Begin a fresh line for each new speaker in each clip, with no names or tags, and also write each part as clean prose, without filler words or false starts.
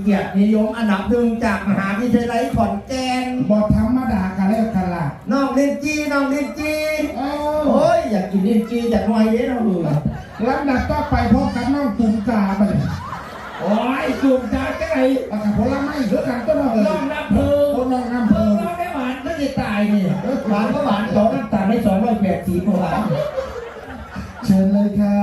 เกียรตินิยมอันดับหนึ่งจากมหาวิทยาลัยขอนแก่น
บอธรรมดากันแล้วกันล่ะ
น้องลินจีน้องลินจีโอ้ยอยากกินลินจีอยากหน่อยเด้น้องดู
ลำดับต่อไปพบกับน้องตุ่มกาไป
โอ้ยตุ่มกาจะไง
ปากกาผลไม้เยอะกันก็น้อง
น้องน้ำเพลิง
น้องน้ำเพลิง
น้องได้หวานก็จะตายนี่หวานก็หวานสองน้ำตาลให้280กว่า
เชิญเลยค่ะ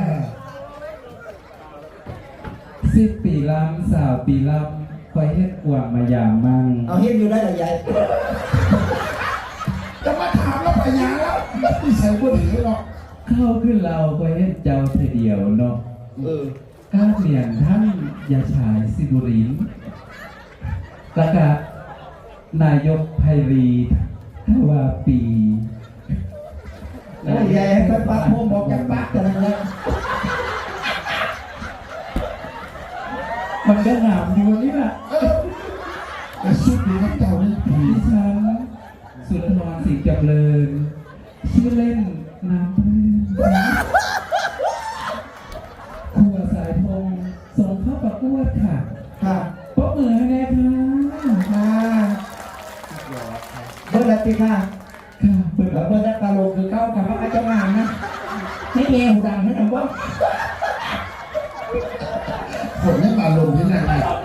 10 ปีลำสาวปีลำคอยเฮ็ดกวางมายามมั่ง
เอาเฮ็ดอยู่ได้หรอใหญ่
จะมาถามแล้วไปยาแล้วที่ใส่บุหรี่หรอก
เข้าขึ้นเราคอยเฮ็ดเจ้าเทเดียวเนาะก้าเปลี่ยนท่านยาชายสิบุรินแล้วก็นายกไพรีทวาปี
ใหญ่ก็ปักพวกบอกจะปักอะไรเนี่ย
มันก็หนามอยู่นี่แหละ
แต่ชุดนี้เจ้านี่ผี
ฉันสุนทรศรีจำเริญชื่อเล่นน้ำพึ่งครัวสายทงส่งเข้าประกวดค่ะ
ค่ะ
ปรบมือให้แม่ค่ะ
เบอร์ละปีค่ะ
เบอร์
ละกาโลคือเข้ากับพระอาจารย์งานนะให้เอวดังให้ทำว่า
ผมไม่มาลงที่ไหน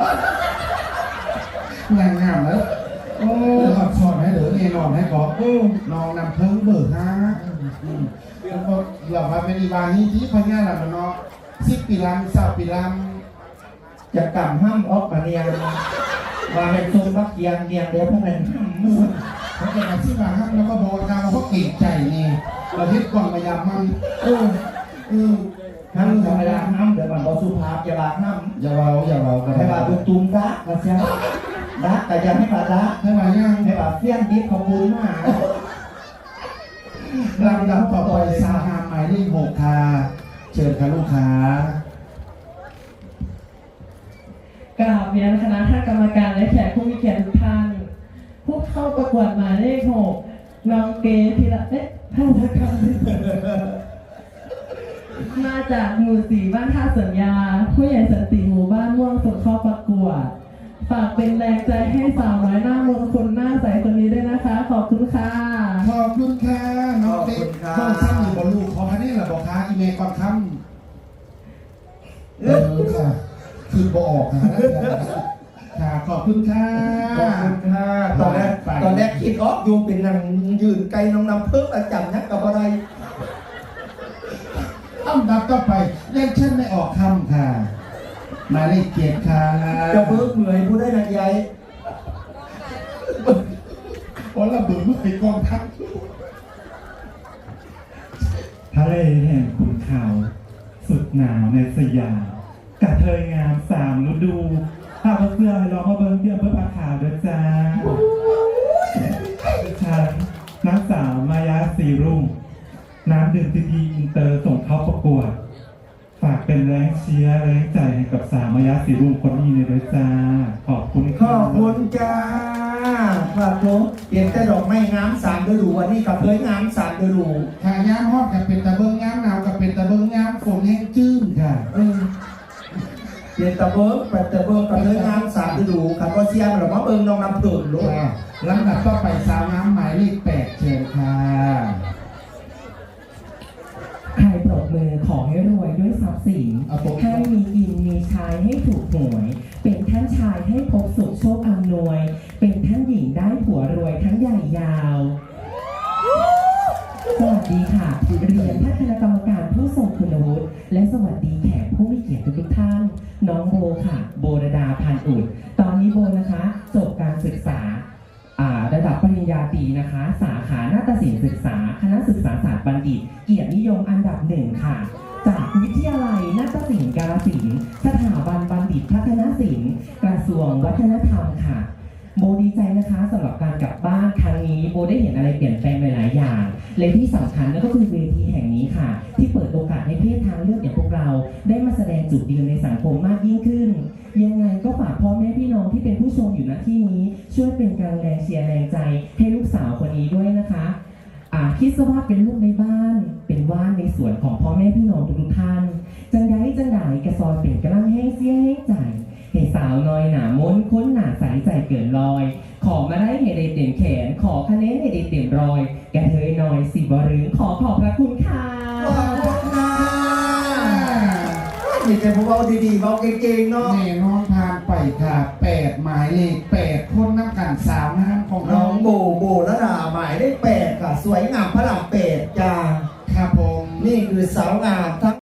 งานงามแล้วโอ้ขับสอนให้เหลือเงนอนให้ก่อนน้องนำเพิ่งเบอร์5แล้วก็เราพาเป็นอีบานี้ที่พญาลำเนาะ10 ปีลำ20 ปีล
ำจะกำห้ามออกมาเรียงว่าเป็นทรงบักเกียงเรียงเดี๋ยวพวกนั้นห้ามมือ
เขาจะมาที่มาห้ามแล้วก็บอกการเราก็เก่งใจนี่เราเฮ็ดกล่องมายามมัน
ห้ามธรรมดาห้ามเดี๋ยวมันบอกสุภาพอย่าบาดห้าม
อย่าเรา
ให้บาดตุ้มดักนะเจ้าดักแต่ยังให้บาดดัก
ให้บาดยัง
ให้บาดเฟี้ยนดิบขอบคุณมาก
ลำดับต่อไปสาขาหมายเลข6ค่ะเชิญค่ะลูกค้
ากราบเรียนคณะท่านกรรมการและแขกผู้มีเกียรติทุกท่านผู้เข้าประกวดหมายเลข6น้องเก๋ธีระท่านทักการมาจากหมู่4บ้านท่าสัญญาผู้ใหญ่สันติหมู่บ้านม่วงส่งเข้าประกวดฝากเป็นแรงใจให้สาวน้อยหน้ามนต์คนหน้าใสคนนี้ด้วยนะคะขอบคุณค่ะ
ขอบคุณค่ะน้องเด็กน้องซ้ำอยู่บนลูกขอคันนี้แหละบอกค่ะอีเมลก่อนคำค่ะคือบอกค่ะขอบคุณค่ะ
ขอบคุณค่ะตอนแรกคิดออกอยู่เป็นนางยืนไกลน้องนำเพิ่มประจำนะกับอะไร
อันดับต่อไปเล่นเช่นไม่ออกคำค่ะมาเลข7ค่ะ
จะเพิ่มเหนื่อยผู้ได้นักใหญ่
เพราะเราเบื่อเมื่อไอ้กองทัพ
ทะเลแห่งขุนเขาสุดหนาวในสยามกระเทยงาม3 ฤดูถ้าเสื้อให้ลองมาเบิ้งเตี้ยเพื่อปลาขาวด้วยจ้าฉันนักสาวมายาสีรุ่งน้ำดื่มดีอินเตอร์ส่งเข้าประกวดฝากเป็นแรงเชียร์แรงใจให้กับสาวมายาสีรุ่งคนนี้เลยด้วยจ้าขอบคุณ
ขอบคุณจ้าครับผมเปลี่ยนแต่ดอกไม้งาม3 ฤดูวันนี้กับเพื่อนงาม3 ฤดู
ถ้างามฮอดกับเป็นตะเบิ้งงามหนาวกับเป็นตะเบิ้งงามฝนแห้งจื้นค่ะ
เปลี่ยนตะเบิ้งกับเพื่อนงาม3 ฤดูขับก็เชียร์หรือว่าเบิ้งน้องนำเพิ่มลูก
ลำดับต่อไปสาวน้ำหมายเลข8เชิญค่ะ
ใครปรบมือขอให้รวยด้วยทรัพย์สินให้มีกินมีใช้ให้ถูกหวยเป็นท่านชายให้พบสุขโชคอำนวยเป็นท่านหญิงได้ผัวรวยทั้งใหญ่ยาวสวัสดีค่ะเรียนท่านคณะกรรมการผู้ทรงคุณวุฒิและสวัสดีแขกผู้มีเกียรติทุกท่านน้องโบค่ะโบรดาพันอุดตอนนี้โบนะคะจบการศึกษาระดับปริญญาตรีนะคะสาขานาฏศิลป์ศึกษาคณะศึกษาศาสตร์บัณฑิตเกียรตินิยมอันดับ1ค่ะจากวิทยาลัยนาฏศิลป์กาฬสินธุ์สถาบันบัณฑิตพัฒนศิลป์กระทรวงวัฒนธรรมค่ะโบดีใจนะคะสำหรับการกลับบ้านครั้งนี้โบได้เห็นอะไรเปลี่ยนแปลงหลายๆอย่างและที่สำคัญนั่นก็คือเวทีแห่งนี้ค่ะที่เปิดโอกาสให้เพศทางเลือกอย่างพวกเราได้มาแสดงจุดยืนในสังคมมากยิ่งขึ้นยังไงก็ฝากพ่อแม่พี่น้องที่เป็นผู้ชมอยู่ณที่นี้ช่วยเป็นกำลังแรงเชียร์แรงใจให้ลูกสาวคนนี้ด้วยนะคะคิดซะว่าเป็นลูกในบ้านเป็นว่านในส่วนของพ่อแม่พี่น้องทุกท่านจังใดกระซอยเป็นกระลังแห้งเสียแห้งใจเหแต่สาวน้อยหนาม้นค้นหนาใสใจเกินลอย ขอมาได้ให้ได้เต็มแขน ขอคะแนนให้ได้เต็มรอยกระเทยน้อยสิบรึงขอบพระคุณค่ะ
ขอบคุณค่ะนี่แต่ผมเอาดีๆเอาเก่งๆเนาะ
แน่นอนผ่านไปค่ะ8หมายเลข8คนน้ำกันสาวงามของ
น้
น้
อ
อง ง
โบระดาหมายเลข8ค่ะ สวยงามพระราม8จ้า
ครับผม
นี่คือสาวงามทั้ง